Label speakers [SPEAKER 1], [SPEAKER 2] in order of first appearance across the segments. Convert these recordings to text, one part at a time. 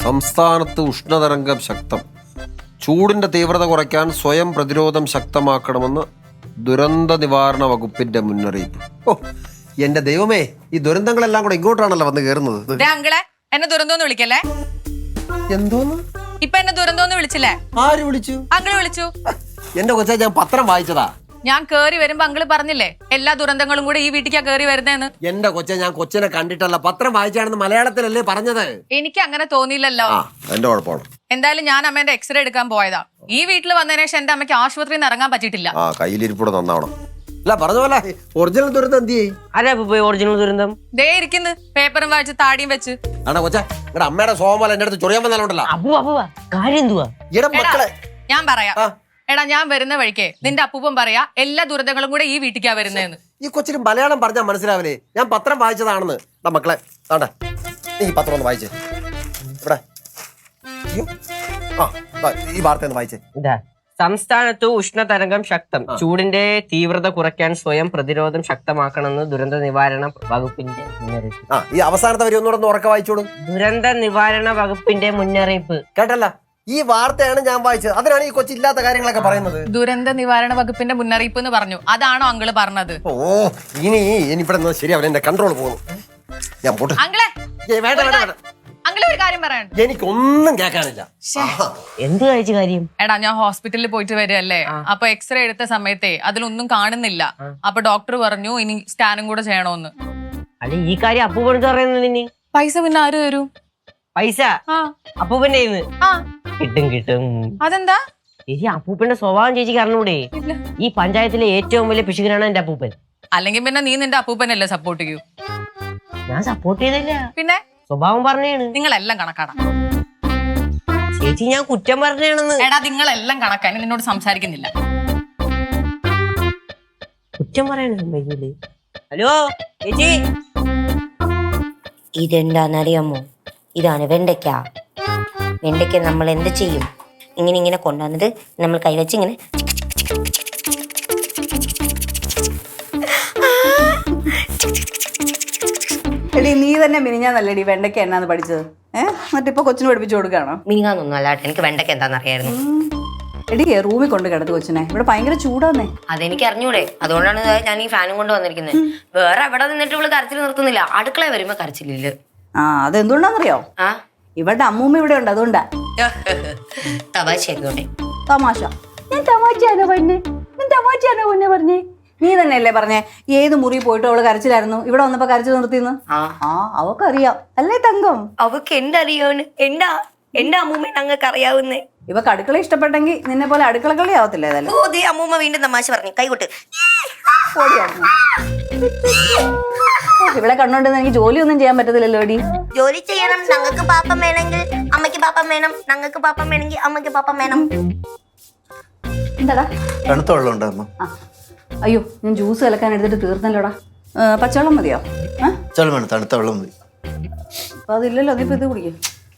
[SPEAKER 1] സംസ്ഥാനത്ത് ഉഷ്ണതരംഗം ശക്തം. ചൂടിന്റെ തീവ്രത കുറയ്ക്കാൻ സ്വയം പ്രതിരോധം ശക്തമാക്കണമെന്ന് ദുരന്ത നിവാരണ വകുപ്പിന്റെ മുന്നറിയിപ്പ്. ഓ എന്റെ ദൈവമേ, ഈ ദുരന്തങ്ങളെല്ലാം കൂടെ ഇങ്ങോട്ടാണല്ലോ വന്ന് കയറുന്നത്.
[SPEAKER 2] അങ്കിളെ എന്നെ ദുരന്തോന്ന് വിളിക്കല്ലേ.
[SPEAKER 1] എന്തോന്ന്
[SPEAKER 2] ഇപ്പൊ എന്നെ ദുരന്തോന്ന് വിളിച്ചില്ലേ?
[SPEAKER 1] ആര് വിളിച്ചു?
[SPEAKER 2] അങ്കിള് വിളിച്ചു.
[SPEAKER 1] എന്റെ കൊച്ചാ, ഞാൻ പത്രം വായിച്ചതാ.
[SPEAKER 2] ഞാൻ കേറി വരുമ്പോ അങ്കിള് പറഞ്ഞില്ലേ എല്ലാ ദുരന്തങ്ങളും കൂടെ ഈ വീട്ടിക്കാ കേറി വരുന്നേന്ന്.
[SPEAKER 1] എന്റെ കൊച്ചെ, ഞാൻ കൊച്ചിനെ കണ്ടിട്ടല്ല, പത്രം വായിച്ചാണെന്ന് മലയാളത്തിലല്ലേ പറഞ്ഞത്.
[SPEAKER 2] എനിക്ക് അങ്ങനെ തോന്നിയില്ലല്ലോ.
[SPEAKER 1] എന്റെ കുഴപ്പമാണ്.
[SPEAKER 2] എന്തായാലും ഞാൻ അമ്മേന്റെ എക്സ്റേ എടുക്കാൻ പോയതാ. ഈ വീട്ടിൽ വന്നതിന് ശേഷം എന്റെ അമ്മയ്ക്ക് ആശുപത്രിയിൽ നിന്ന് ഇറങ്ങാൻ പറ്റിയിട്ടില്ല.
[SPEAKER 1] കയ്യിലിരിപ്പൂടെ നന്നാവണം. അല്ല പറഞ്ഞ പോലെ ഒറിജിനൽ ദുരന്തം എന്ത് ചെയ്യും?
[SPEAKER 3] ഒറിജിനൽ ദുരന്തം
[SPEAKER 2] ദേ ഇരിക്കുന്നു, പേപ്പറും വായിച്ച് താടിയും വെച്ച്.
[SPEAKER 1] ആണോ കൊച്ചാ, ഇവിടെ അമ്മയുടെ സോമല എന്റെ അടുത്ത് ചൊറിയാൻ വന്നാലുണ്ടല്ലോ.
[SPEAKER 2] ഞാൻ പറയാം. എടാ, ഞാൻ വരുന്ന വഴിക്ക് നിന്റെ അപ്പൂപ്പൻ പറയാ എല്ലാ ദുരന്തങ്ങളും കൂടെ ഈ വീട്ടിക്കാ വരുന്നേന്ന്.
[SPEAKER 1] ഈ കൊച്ചിന് മലയാളം പറഞ്ഞാൽ മനസ്സിലാവില്ലേ? ഞാൻ പത്രം വായിച്ചതാണെന്ന്. മക്കളെ താണ്ട, നീ പത്രം ഒന്ന് വായിച്ചേ. ഇവിടെ ഈ വാർത്ത ഒന്ന് വായിച്ചേ.
[SPEAKER 3] സംസ്ഥാനത്ത് ഉഷ്ണതരംഗം ശക്തം. ചൂടിന്റെ തീവ്രത കുറയ്ക്കാൻ സ്വയം പ്രതിരോധം ശക്തമാക്കണമെന്ന് ദുരന്ത നിവാരണ വകുപ്പിന്റെ മുന്നറിയിപ്പ്.
[SPEAKER 1] ഈ അവസാനത്തെ വരി ഒന്നുകൂടെ ഉറക്കെ വായിച്ചോളൂ.
[SPEAKER 3] ദുരന്ത നിവാരണ വകുപ്പിന്റെ മുന്നറിയിപ്പ്.
[SPEAKER 1] കേട്ടല്ല, ഈ വാർത്തയാണ് ഞാൻ വായിച്ചത്. അതിനാണ് ഈ കൊച്ചില്ലാത്ത കാര്യങ്ങളൊക്കെ പറയുന്നത്.
[SPEAKER 2] ദുരന്ത നിവാരണ വകുപ്പിന്റെ മുന്നറിയിപ്പ് എന്ന് പറഞ്ഞു. അതാണോ അങ്കിള് പറഞ്ഞത്?
[SPEAKER 1] ഓ ഇനി ഇവിടെ ശരിയാവില്ല, എന്റെ കൺട്രോൾ പോകുന്നു. ഞാൻ പോട്ടെ.
[SPEAKER 2] അങ്കിളെ
[SPEAKER 1] വേണ്ട വേണ്ട വേണ്ട,
[SPEAKER 2] അങ്കിള് ഒരു കാര്യം പറയാനുണ്ട്.
[SPEAKER 1] എനിക്കൊന്നും കേൾക്കാനില്ല.
[SPEAKER 3] എന്ത് കഴിച്ച കാര്യം?
[SPEAKER 2] എടാ, ഞാൻ ഹോസ്പിറ്റലിൽ പോയിട്ട് വരികയല്ലേ. അപ്പൊ എക്സ്റേ എടുത്ത സമയത്തെ അതിലൊന്നും കാണുന്നില്ല. അപ്പൊ ഡോക്ടർ പറഞ്ഞു ഇനി സ്കാനും കൂടെ ചെയ്യണോന്ന്.
[SPEAKER 3] അല്ല, ഈ കാര്യം അപ്പൂപ്പൻ പറയുന്നതിന്
[SPEAKER 2] പൈസ പിന്നെ ആര് തരും?
[SPEAKER 3] പൈസ അപ്പൂപ്പന്റെ കിട്ടും കിട്ടും.
[SPEAKER 2] അതെന്താ?
[SPEAKER 3] ചേച്ചി, അപ്പൂപ്പന്റെ സ്വഭാവം ചേച്ചിക്ക് അറിഞ്ഞൂടെ? ഈ പഞ്ചായത്തിലെ ഏറ്റവും വലിയ പിശുകനാണ് എന്റെ അപ്പൂപ്പൻ.
[SPEAKER 2] അല്ലെങ്കിൽ പിന്നെ നീ നിന്റെ അപ്പൂപ്പനല്ലേ സപ്പോർട്ട് ചെയ്യൂ?
[SPEAKER 3] ഞാൻ സപ്പോർട്ട് ചെയ്തില്ല,
[SPEAKER 2] പിന്നെ
[SPEAKER 3] സ്വഭാവം പറഞ്ഞാണ്.
[SPEAKER 2] നിങ്ങളെല്ലാം കണക്കാണ്
[SPEAKER 3] ചേച്ചി, ഞാൻ കുറ്റം പറഞ്ഞാണെന്ന്.
[SPEAKER 2] എടാ, നിങ്ങളെല്ലാം കണക്കാണ്. നിന്നോട് സംസാരിക്കുന്നില്ല.
[SPEAKER 3] കുറ്റം പറയണ. ഹലോ ചേച്ചി,
[SPEAKER 4] ഇതെന്താണെന്നറിയാമോ? ഇതാണ് വെണ്ടയ്ക്ക. വെണ്ടയ്ക്ക നമ്മൾ എന്ത് ചെയ്യും? ഇങ്ങനെ കൊണ്ടുവന്നിട്ട് നമ്മൾ കൈവച്ച് ഇങ്ങനെ
[SPEAKER 5] എടി, നീ തന്നെ മിനിഞ്ഞാന്നല്ലേടി വെണ്ടയ്ക്ക എന്നാന്ന് പഠിച്ചത്? മറ്റിപ്പോ കൊച്ചിന് പഠിപ്പിച്ചു കൊടുക്കാണോ?
[SPEAKER 4] മിനിങ്ങാന്നൊന്നും അല്ലാട്ടെ, എനിക്ക് വെണ്ടയ്ക്ക എന്താണെന്നറിയായിരുന്നു.
[SPEAKER 5] എടി, റൂമിൽ കൊണ്ട് കിടത്ത് കൊച്ചിനെ. ഇവിടെ ഭയങ്കര ചൂടാന്നേ.
[SPEAKER 4] അതെനിക്ക് അറിഞ്ഞൂടെ, അതുകൊണ്ടാണ് ഞാൻ ഈ ഫാനും കൊണ്ട് വന്നിരിക്കുന്നത്. വേറെ എവിടെ നിന്നിട്ട് ഇവള് കരച്ചിൽ നിർത്തുന്നില്ല. അടുക്കള വരുമ്പോ കരച്ചിലില്ല.
[SPEAKER 5] അതെന്തുകൊണ്ടാന്നറിയോ? ഇവളുടെ അമ്മൂമ്മ ഇവിടെ ഉണ്ട്, അതുകൊണ്ടാ.
[SPEAKER 4] തമാശയായിക്കോട്ടെ.
[SPEAKER 5] തമാശ? ഞാൻ തമാശയാണോ പറഞ്ഞേ? നീ തന്നെയല്ലേ പറഞ്ഞേ ഏത് മുറി പോയിട്ട് അവള് കരച്ചിലായിരുന്നു, ഇവിടെ വന്നപ്പോ കരച്ചിൽ നിർത്തിന്ന്. അവക്കറിയാം അല്ലേ തങ്കം?
[SPEAKER 4] അവക്ക് എന്തറിയോന്ന്? എന്റെ അമ്മൂമ്മ ഞങ്ങൾക്ക് അറിയാവുന്നേ.
[SPEAKER 5] ഇവക്ക് അടുക്കള ഇഷ്ടപ്പെട്ടെങ്കിൽ നിന്നെ പോലെ അടുക്കള കളി ആവത്തില്ല.
[SPEAKER 4] അമ്മൂമ്മ വീണ്ടും തമാശ പറഞ്ഞു. കൈകൊട്ട്.
[SPEAKER 5] ഇവിടെ കണ്ടോണ്ടെന്ന് എനിക്ക് ജോലിയൊന്നും ചെയ്യാൻ പറ്റത്തില്ലല്ലോ. എടി,
[SPEAKER 4] ജോലി ചെയ്യണം. ഞങ്ങൾക്ക് പാപ്പം വേണമെങ്കിൽ അമ്മയ്ക്ക് പാപ്പം വേണം, ഞങ്ങൾക്ക് പാപ്പം വേണമെങ്കിൽ അമ്മയ്ക്ക് പാപ്പം വേണം.
[SPEAKER 5] എന്താടാ?
[SPEAKER 6] തണുത്ത വെള്ളം ഉണ്ടോ?
[SPEAKER 5] അയ്യോ, ഞാൻ ജ്യൂസ് കലക്കാൻ എടുത്തിട്ട് തീർന്നല്ലോടാ. പച്ചവെള്ളം മതിയോ?
[SPEAKER 6] വേണം, തണുത്ത വെള്ളം മതി.
[SPEAKER 5] അപ്പൊ അതില്ലല്ലോ, അതിപ്പോ ഇത് കുടിക്കും.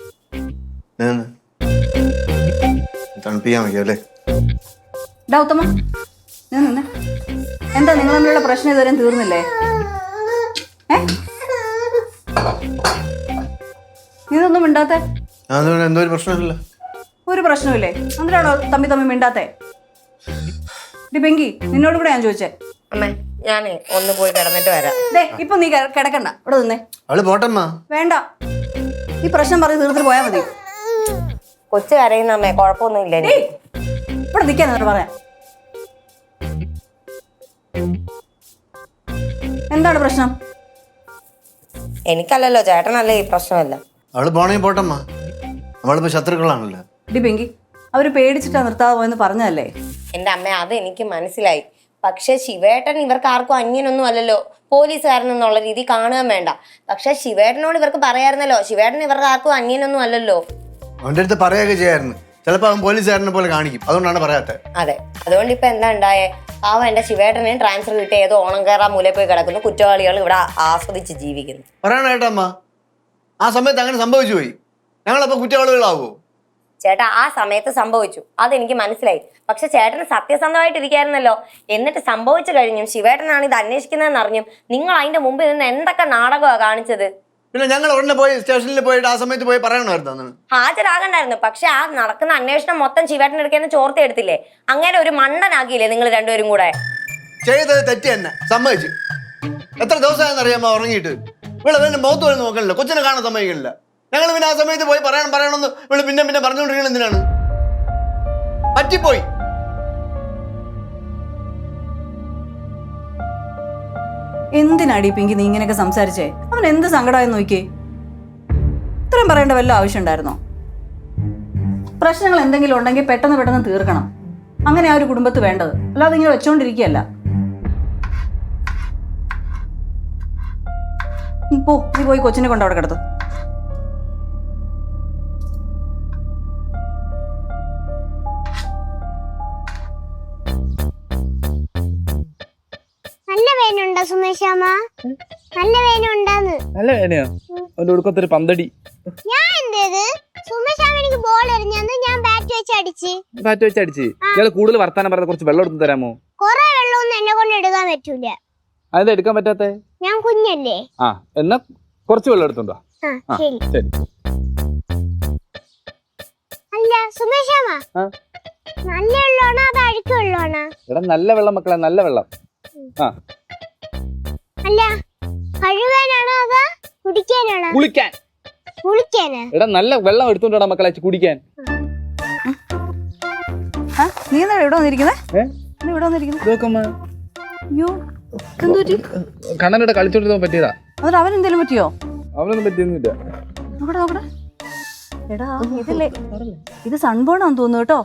[SPEAKER 6] തണുപ്പിക്കാൻ വയ്ക്കും അല്ലേ?
[SPEAKER 5] ഡാ ഉത്തമ, ഞാൻ നിന്നെ. എന്താ നിങ്ങൾ തമ്മിലുള്ള പ്രശ്നം ഇതുവരെ തീർന്നില്ലേ? ഇതൊന്നും മിണ്ടാത്തെ?
[SPEAKER 6] എന്തോ ഒരു പ്രശ്നമില്ല.
[SPEAKER 5] ഒരു പ്രശ്നമില്ലേ? എന്തിനാണോ തമ്മി മിണ്ടാത്തെ? പെങ്കി, നിന്നോട് കൂടെ ഞാൻ ചോദിച്ചേ.
[SPEAKER 4] അമ്മേ, ഞാനേ ഒന്ന് പോയി കിടന്നിട്ട് വരാം.
[SPEAKER 5] ഇപ്പൊ നീ കിടക്കണ്ട, ഇവിടെ നിന്നേ.
[SPEAKER 6] അവള് പോട്ടമ്മ.
[SPEAKER 5] വേണ്ട, ഈ പ്രശ്നം പറഞ്ഞ് തീർത്തിട്ട് പോയാ മതി.
[SPEAKER 4] കൊച്ചു കരയുന്ന അമ്മേ, കുഴപ്പമൊന്നുമില്ല.
[SPEAKER 5] ഇവിടെ നിൽക്കാൻ പറയാം. എന്താണ് പ്രശ്നം?
[SPEAKER 4] എനിക്കല്ലല്ലോ, ചേട്ടനല്ലേ ഈ പ്രശ്നമല്ല.
[SPEAKER 6] അവള് പോണെങ്കിൽ പോട്ടമ്മ, നമ്മളിപ്പോ ശത്രുക്കളാണല്ലോ.
[SPEAKER 5] പെങ്കി, അവര് പേടിച്ചിട്ടാ നിർത്താതെ പോയെന്ന് പറഞ്ഞതല്ലേ?
[SPEAKER 4] എന്റെ അമ്മ, അത് എനിക്ക് മനസ്സിലായി. പക്ഷെ ശിവേട്ടൻ ഇവർക്ക് ആർക്കും അന്യനൊന്നും അല്ലല്ലോ. പോലീസുകാരനെന്നുള്ള രീതി കാണുകയും വേണ്ട. പക്ഷെ ശിവേട്ടനോട് ഇവർക്ക് പറയായിരുന്നല്ലോ, ശിവേട്ടൻ ഇവർക്ക് ആർക്കും അന്യനൊന്നും അല്ലല്ലോ.
[SPEAKER 6] അവന്റെ അടുത്ത് പറയുകയൊക്കെ ചെയ്യായിരുന്നു. ചിലപ്പോ അവൻ പോലീസുകാരനെ പോലെ കാണിക്കും, അതുകൊണ്ടാണ് പറയാത്തത്.
[SPEAKER 4] അതെ, അതുകൊണ്ട് ഇപ്പൊ എന്താ ഉണ്ടായേ? പാവം എന്റെ ശിവേട്ടനെ ട്രാൻസ്ഫർ കിട്ടിയ ഏതോ ഓണം കയറാൻ മൂലയിൽ പോയി കിടക്കുന്നു. കുറ്റവാളികൾ ഇവിടെ ആസ്വദിച്ച് ജീവിക്കുന്നു.
[SPEAKER 6] പറയണ കേട്ടമ്മ, ആ സമയത്ത് അങ്ങനെ സംഭവിച്ചു പോയി. ഞങ്ങളപ്പോ കുറ്റവാളികളാവോ?
[SPEAKER 4] ചേട്ടാ, ആ സമയത്ത് സംഭവിച്ചു, അതെനിക്ക് മനസ്സിലായി. പക്ഷെ ചേട്ടന് സത്യസന്ധമായിട്ടിരിക്കായിരുന്നല്ലോ. എന്നിട്ട് സംഭവിച്ചു കഴിഞ്ഞും ശിവേട്ടനാണ് ഇത് അന്വേഷിക്കുന്നതെന്ന് അറിഞ്ഞും നിങ്ങൾ അതിന്റെ മുമ്പിൽ നിന്ന് എന്തൊക്കെ നാടകമാണ് കാണിച്ചത്?
[SPEAKER 6] പിന്നെ ഞങ്ങൾ ഉടനെ പോയി സ്റ്റേഷനിൽ പോയിട്ട് ആ സമയത്ത് പോയി പറയണമായിരുന്നു.
[SPEAKER 4] ഹാജരാകണ്ടായിരുന്നു. പക്ഷെ ആ നടക്കുന്ന അന്വേഷണം മൊത്തം ശിവേട്ടൻ എടുക്കുന്ന ചോർത്തി എടുത്തില്ലേ, അങ്ങനെ ഒരു മണ്ടനാക്കിയില്ലേ നിങ്ങൾ രണ്ടുപേരും കൂടെ.
[SPEAKER 6] ചെയ്തത് തെറ്റ് തന്നെ, സമ്മതിച്ചു. എത്ര ദിവസമായെന്നറിയാമോ ഉറങ്ങിയിട്ട്? ഇവിടെ തന്നെ മുഖത്ത് പോയി നോക്കണില്ല, കൊച്ചിനെ കാണാൻ സമ്മതിക്കണില്ല. ഞങ്ങൾ പിന്നെ ആ സമയത്ത് പോയി പറയണമെന്ന് ഇവിടെ പിന്നെ പറഞ്ഞുകൊണ്ടിരിക്കണം. എന്തിനാണ്? പറ്റിപ്പോയി.
[SPEAKER 5] എന്തിനാടി പിങ്കി നീ ഇങ്ങനെയൊക്കെ സംസാരിച്ചേ? അവൻ എന്ത് സങ്കടമായെന്ന് നോക്കിയേ. ഇത്രയും പറയേണ്ട വല്ല ആവശ്യം ഉണ്ടായിരുന്നോ? പ്രശ്നങ്ങൾ എന്തെങ്കിലും ഉണ്ടെങ്കിൽ പെട്ടെന്ന് തീർക്കണം. അങ്ങനെ ആ ഒരു കുടുംബത്ത് വേണ്ടത്, അല്ലാതെ ഇങ്ങനെ വെച്ചോണ്ടിരിക്കുകയല്ല. പോ, നീ പോയി കൊച്ചിനെ കൊണ്ട് അവിടെ കിടത്തു.
[SPEAKER 7] നല്ല വേനുണ്ടോ സുമേഷാമ്മ? നല്ല വേനുണ്ടാന്ന്.
[SPEAKER 8] നല്ല വേനയോ? അവന്റെ ഒടുക്കത്തൊരു പന്തടി.
[SPEAKER 7] ഞാൻ എന്തേത്? സുമേഷാമ്മ എനിക്ക് ബോൾ എറിഞ്ഞന്ന് ഞാൻ ബാറ്റ് വെച്ച് അടിച്ച്.
[SPEAKER 8] ഇയാള് കൂടുതൽ വർത്താനം പറഞ്ഞ കുറച്ച് വെള്ളം എടുത്ത് തരാമോ?
[SPEAKER 7] കൊറേ വെള്ളമൊന്നും എന്നെ കൊണ്ട് എടുക്കാൻ പറ്റൂല.
[SPEAKER 8] അതെന്താ എടുക്കാൻ പറ്റാത്തെ?
[SPEAKER 7] ഞാൻ കുഞ്ഞല്ലേ.
[SPEAKER 8] ആ, എന്നാ കുറച്ച് വെള്ളം എടുത്തോണ്ടോ.
[SPEAKER 7] ശരി.
[SPEAKER 8] ശരി.
[SPEAKER 7] അല്ല സുമേഷാമ്മ, നല്ല വെള്ളമാണോ അത് അഴുക്ക് വെള്ളമാണോ?
[SPEAKER 8] എടാ നല്ല വെള്ളം മക്കളെ, നല്ല വെള്ളം. ആ,
[SPEAKER 7] അല്ല കഴുകാനാണോ അതോ കുടിക്കാനാണോ? കുളിക്കാനാ?
[SPEAKER 8] എടാ നല്ല വെള്ളം എടുത്തോണ്ടാ മക്കളെ കുടിക്കാൻ.
[SPEAKER 5] നീ എന്താ ഇവിടെ വന്നിരിക്കുന്നേ? ഇവിടെ വന്നിരിക്കുന്നേ? അയ്യോ, എന്തു പറ്റി?
[SPEAKER 8] കണ്ണനോട് കളിച്ചോണ്ടിരുന്ന പറ്റിയതാ.
[SPEAKER 5] എന്നിട്ട് അവൻ എന്തെങ്കിലും പറ്റിയോ?
[SPEAKER 8] അവനൊന്നും പറ്റിയൊന്നുമില്ല.
[SPEAKER 5] നോക്കട്ടെ. എടാ ഇതല്ലേ, ഇത് സൺബേണാന്ന് തോന്നുന്നു കേട്ടോ.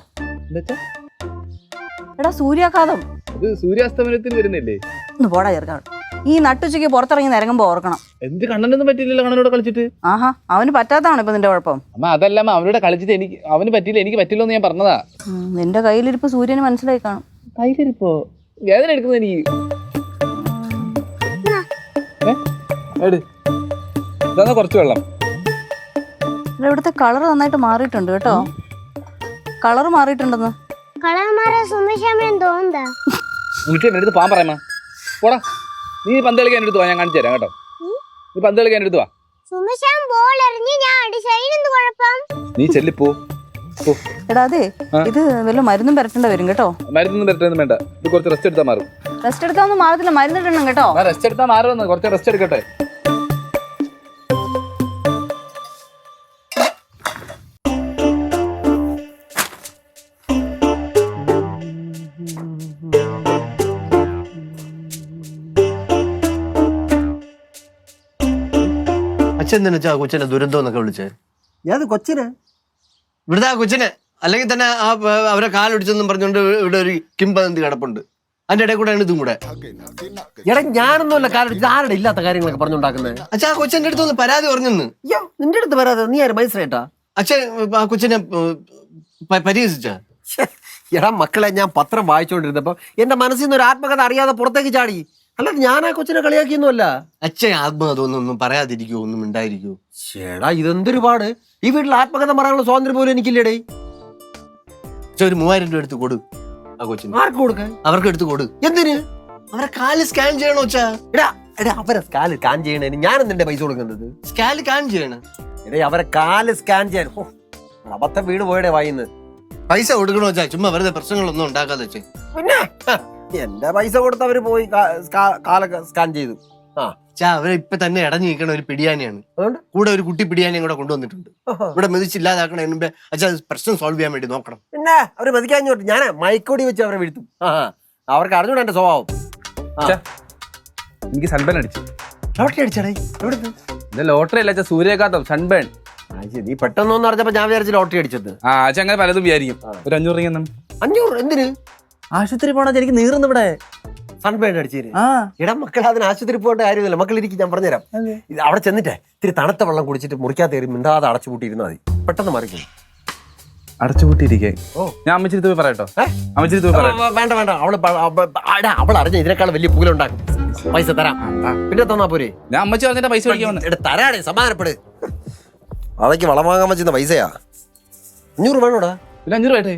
[SPEAKER 5] എടാ സൂര്യാഘാതം.
[SPEAKER 8] ഇത് സൂര്യാസ്തമനത്തിന് വരുന്നില്ലേ?
[SPEAKER 5] ഒന്ന് പോടാ ചേർക്കാണ്. ഈ നട്ടുച്ചയ്ക്ക് പുറത്തിറങ്ങി നിരങ്ങുമ്പോ ഓർക്കണം.
[SPEAKER 8] എന്ത് കണ്ണനൊന്നും പറ്റിയില്ലല്ലോ കണ്ണനോട് കളിച്ചിട്ട്?
[SPEAKER 5] ആഹാ, അവന് പറ്റാത്തതാണ് ഇപ്പൊ നിന്റെ കുഴപ്പം.
[SPEAKER 8] അമ്മ അതല്ല അവനോട് കളിച്ചിട്ട് അവന് പറ്റിയില്ല, എനിക്ക് പറ്റില്ലോ എന്ന് ഞാൻ പറഞ്ഞതാ.
[SPEAKER 5] നിന്റെ കയ്യിലിരിപ്പ് സൂര്യന് മനസ്സിലായി കാണും.
[SPEAKER 8] കയ്യിലിരിപ്പോ? വേദന എടുക്കുന്നത് എനിക്ക്. ഇതാ കുറച്ച് വെള്ളം.
[SPEAKER 5] ഇവിടുത്തെ കളർ നന്നായിട്ട് മാറിയിട്ടുണ്ട് കേട്ടോ. കളർ മാറിയിട്ടുണ്ടെന്ന്.
[SPEAKER 7] കളർ മാറാൻ സുമേഷാമ്മ തോന്നുന്നതാ.
[SPEAKER 8] എന്റെ അടുത്ത് പാൻ പറയാമ. പോടാ, നീ പന്ത് കളിക്കാൻ എടുത്തു വാ, ഞാൻ കാണിച്ചു തരാം കേട്ടോ. നീ പന്ത് കളിക്കാൻ എടുത്തു വാ.
[SPEAKER 7] സുമേഷാമ്മ ബോൾ എറിഞ്ഞ് ഞാൻ അടിച്ചതിനെന്ത് കുഴപ്പം?
[SPEAKER 8] നീ ചെല്ലിപ്പോ.
[SPEAKER 5] എടാ അതെ, ഇത് വല്ല മരുന്നും പരട്ടേണ്ട വരും കേട്ടോ.
[SPEAKER 8] മരുന്നൊന്നും പരട്ടൊന്നും വേണ്ട, ഇത് കുറച്ച് റെസ്റ്റ് എടുത്താൽ മാറും.
[SPEAKER 5] റെസ്റ്റ് എടുക്കാനൊന്നും മാറത്തില്ല, മരുന്നിടണം കേട്ടോ.
[SPEAKER 8] റെസ്റ്റ് എടുത്താൽ മാറുമെന്ന്, കുറച്ച് റെസ്റ്റ് എടുക്കട്ടെ.
[SPEAKER 6] അച്ഛൻ തന്നെ വെച്ചാ കൊച്ചിനെ ദുരന്തം എന്നൊക്കെ വിളിച്ചേ?
[SPEAKER 1] ഏത് കൊച്ചിന്?
[SPEAKER 6] ഇവിടുത്തെ ആ കൊച്ചിനെ. അല്ലെങ്കിൽ തന്നെ ആ അവരെ കാലൊടിച്ചെന്നും പറഞ്ഞുകൊണ്ട് ഇവിടെ ഒരു കിംബദന്തി കിടപ്പുണ്ട്. അതിന്റെ ഇടയിൽ കൂടെയാണ് ഇതും കൂടെ.
[SPEAKER 1] എടാ ഞാനൊന്നുമല്ല കാലൊടിച്ചത്. ആരുടെ ഇല്ലാത്ത കാര്യങ്ങളൊക്കെ പറഞ്ഞുണ്ടാക്കുന്നത്?
[SPEAKER 6] അച്ഛാ ആ കൊച്ചന്റെ അടുത്തൊന്ന് പരാതി പറഞ്ഞെന്ന്.
[SPEAKER 1] നിന്റെ അടുത്ത് വരാതെ നീ ആര് മൈസറേട്ടാ?
[SPEAKER 6] അച്ഛൻ ആ കൊച്ചിനെ പരിഹസിച്ച?
[SPEAKER 1] എടാ മക്കളെ, ഞാൻ പത്രം വായിച്ചുകൊണ്ടിരുന്നപ്പോ എന്റെ മനസ്സിൽ നിന്ന് ഒരു ആത്മകഥ അറിയാതെ പുറത്തേക്ക് ചാടി. അല്ലാതെ ഞാൻ ആ കൊച്ചിനെ കളിയാക്കിയൊന്നുമല്ല.
[SPEAKER 6] അച്ഛൻ ആത്മകഥ ഒന്നും പറയാതിരിക്കോ, ഒന്നും ഉണ്ടായിരിക്കോ?
[SPEAKER 1] ചേടാ ഇതെന്തൊരു പാട്. ഈ വീട്ടിൽ ആത്മകഥ പറയാനുള്ള സ്വാതന്ത്ര്യം പോലും എനിക്കില്ലേടേ.
[SPEAKER 6] ഒരു 3000 രൂപ എടുത്ത് കൊടു ആ കൊച്ചിന്.
[SPEAKER 1] ആർക്ക് കൊടുക്കാൻ?
[SPEAKER 6] അവർക്ക് എടുത്ത് കൊടു.
[SPEAKER 1] എന്തിന്?
[SPEAKER 6] അവരെ കാല് സ്കാൻ ചെയ്യണോ വെച്ചാ?
[SPEAKER 1] എടാ അവരെ കാല് സ്കാൻ ചെയ്യണേന് ഞാൻ എന്തിന്റെ പൈസ കൊടുക്കുന്നത്?
[SPEAKER 6] സ്കാൻ ചെയ്യണം.
[SPEAKER 1] എടേ അവരെ കാല് സ്കാൻ ചെയ്യാൻ അബദ്ധം വീട് പോയടേ വായിന്ന്.
[SPEAKER 6] പൈസ കൊടുക്കണോ വെച്ചാ? ചുമ്മാ വെറുതെ പ്രശ്നങ്ങളൊന്നും ഉണ്ടാക്കാതെ വെച്ചേ.
[SPEAKER 1] പിന്നെ എന്റെ പൈസ കൊടുത്ത് അവര് പോയി കാലൊക്കെ സ്കാൻ ചെയ്തു.
[SPEAKER 6] അവരെ ഇപ്പൊ തന്നെ ഇടഞ്ഞു നിൽക്കണ ഒരു പിടിയാനിയാണ്.
[SPEAKER 1] അതുകൊണ്ട്
[SPEAKER 6] കൂടെ ഒരു കുട്ടി പിടിയാനിയും കൂടെ കൊണ്ടുവന്നിട്ടുണ്ട്. ഇവിടെ മെതിച്ചില്ലാതാക്കണ മുമ്പേ അച്ഛാ പ്രശ്നം സോൾവ് ചെയ്യാൻ വേണ്ടി നോക്കണം.
[SPEAKER 1] പിന്നെ അവര് മതിക്കാഞ്ഞോട്ട് ഞാൻ മൈക്കോടി വെച്ച് അവരെ വീഴ്ത്തും. അവർക്ക് അറിഞ്ഞൂടാ എന്റെ സ്വഭാവം.
[SPEAKER 8] എനിക്ക് സൺബേൺ അടിച്ചു.
[SPEAKER 1] ലോട്ടറി അടിച്ചടേ? എവിടുന്ന്?
[SPEAKER 8] ഇത് ലോട്ടറി അല്ല, സൂര്യാഘാതം, സൺബേൺ.
[SPEAKER 1] നീ പെട്ടെന്നൊന്നും അറിഞ്ഞപ്പോ ഞാൻ വിചാരിച്ചു ലോട്ടറി അടിച്ചത്.
[SPEAKER 8] അങ്ങനെ പലതും വിചാരിക്കും. ഒരു 500 രൂപ.
[SPEAKER 1] 500? എന്തിന്?
[SPEAKER 8] ആശുപത്രി പോണത് എനിക്ക് നീറുന്നു ഇവിടെ.
[SPEAKER 1] സൺബേൺ അടിച്ചേര്. എടാ മക്കൾ, അതിന് ആശുപത്രി പോകേണ്ട കാര്യമില്ല. മക്കൾ ഇരിക്കും, ഞാൻ പറഞ്ഞുതരാം. ഇത് അവിടെ ചെന്നിട്ടേ ഇത്തിരി തണുത്ത വെള്ളം കുടിച്ചിട്ട് മുറിക്കാത്ത കയറി മിണ്ടാതെ അടച്ചുപൂട്ടിയിരുന്നാൽ മതി. പെട്ടെന്ന് മറിക്കും.
[SPEAKER 8] അടച്ചുപൂട്ടിയിരിക്കേ? ഞാൻ അമ്മച്ചിരി പോയി പറയട്ടോ? അമ്മച്ചിരി പോയി പറയാം.
[SPEAKER 1] വേണ്ട വേണ്ട, അവൾ അറിഞ്ഞ ഇതിനേക്കാൾ വലിയ പൂലുണ്ടാക്കും. പൈസ തരാം, പിന്നെ തന്നാ പോരെ.
[SPEAKER 8] ഞാൻ അമ്മച്ചി പറഞ്ഞിട്ട് പൈസ മേടിക്കാൻ
[SPEAKER 1] തരാടേ, സമാധാനപ്പെട്. അതൊക്കെ വളം വാങ്ങാൻ വെച്ചിരുന്ന പൈസയാ. 500 വേണോടാ?
[SPEAKER 8] പിന്നെ 500 രൂപ.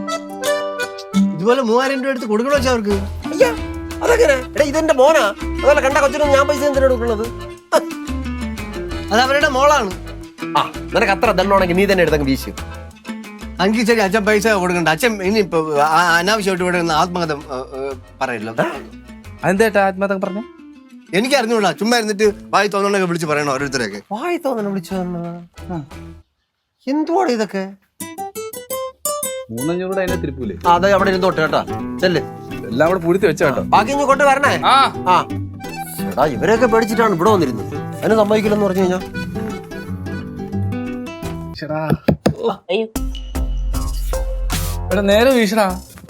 [SPEAKER 6] ഇതുപോലെ 3000 രൂപ എടുത്ത് കൊടുക്കണോ വെച്ചാ അവർക്ക്?
[SPEAKER 1] അതെങ്ങനെ? എടാ ഇതെന്റെ മോനാ. അതുപോലെ കണ്ട കൊച്ചിനൊന്നും ഞാൻ പൈസ എന്തിനാ കൊടുക്കുന്നത്?
[SPEAKER 6] അത് അവരുടെ മോളാണ്.
[SPEAKER 1] ആ നിനക്ക് അത്ര ദണ്ണമാണെങ്കിൽ നീ തന്നെ എടുത്തങ്ങ് വീശു.
[SPEAKER 6] അഞ്ച് ശരി, അച്ഛൻ പൈസ കൊടുക്കണ്ട. അച്ഛൻ ഇനിയിപ്പോ അനാവശ്യമായിട്ട് ഇവിടെ നിന്ന് ആത്മകഥ പറയല്ലോ.
[SPEAKER 8] അതെന്താ ആത്മഹത്യ പറഞ്ഞ?
[SPEAKER 6] എനിക്ക് അറിഞ്ഞൂടാ, ചുമ്മാ ഇരുന്നിട്ട് വായി തോന്നണൊക്കെ വിളിച്ച് പറയണോ ഓരോരുത്തരൊക്കെ.
[SPEAKER 1] വായി തോന്നണ വിളിച്ചു എന്തുവാണ് ഇതൊക്കെ?
[SPEAKER 8] 300 കൂടെ അതിനെ തിരുപ്പൂലേ.
[SPEAKER 1] അതെ അവിടെ ഇരുന്നോട്ടെ കേട്ടാ, ചെല്ല്.
[SPEAKER 8] എല്ലാം കൂടെ പൂഴ്ത്തി വെച്ച കേട്ടോ.
[SPEAKER 1] ബാക്കി ഇങ്ങ് കൊണ്ട് വരണേ.
[SPEAKER 8] ആ
[SPEAKER 1] ആ എടാ ഇവരൊക്കെ പേടിച്ചിട്ടാണ് ഇവിടെ വന്നിരുന്നത്. അതിന് സമ്മതിക്കില്ലെന്ന് പറഞ്ഞു കഴിഞ്ഞാ
[SPEAKER 3] അയ്യോ,
[SPEAKER 8] എടാ നേരെ വീശടാ.